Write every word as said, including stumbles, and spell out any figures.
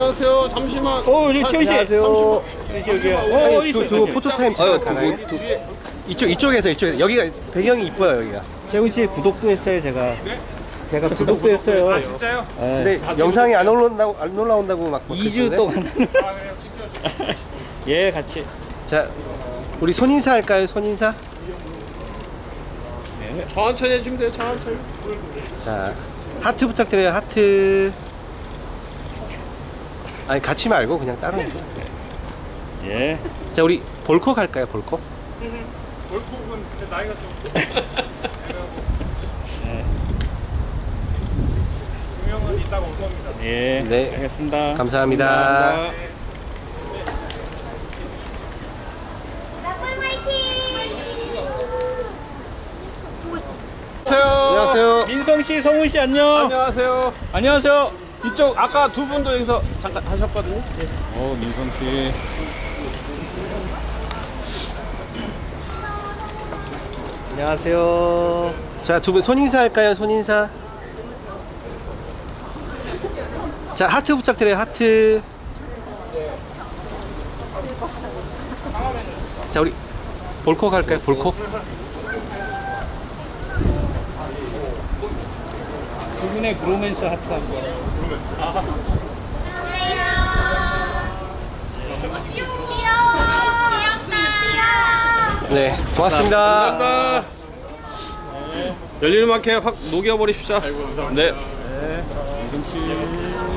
안녕하세요. 잠시만. 어, 우리 태훈 씨. 안녕하세요. 여기요. 어, 어디 두- 있어요? 두 저기. 포토타임 아유, 가나요? 두- 두- 이쪽 이쪽에서 이쪽에서 여기가 배경이 이뻐요 여기가. 재훈 씨 구독도 했어요, 제가. 제가 구독도 했어요. 아, 진짜요? 네. 근데 영상이 안 올라온다고 안 올라온다고 막. 이 주 그랬던데? 동안. 예, 같이. 자, 우리 손인사 할까요? 손인사. 네. 천천히 해주면 돼요. 천천히. 자, 하트 부탁드려요. 하트. 아니 같이 말고 그냥 따로. 예. 자, 우리 볼콕 할까요? 볼콕. 월폭은 제 나이가 좀. 네. 두 명은 이따가 올 겁니다. 예. 네. 알겠습니다. 감사합니다. 감사합니다. 안녕하세요. 민성 씨, 성훈 씨 안녕. 안녕하세요. 안녕하세요. 이쪽 아까 두 분도 여기서 잠깐 하셨거든요. 어, 민성 씨. 안녕하세요. 자, 두 분 손인사 할까요? 손인사. 자, 하트 부탁드려요. 하트. 자, 우리 볼콕 할까요? 볼콕. 두 분의 브로맨스 하트 한 번. 네, 고맙습니다. 감사합니다. 열리는 만큼 확 녹여버리십시오. 네. 민성 씨.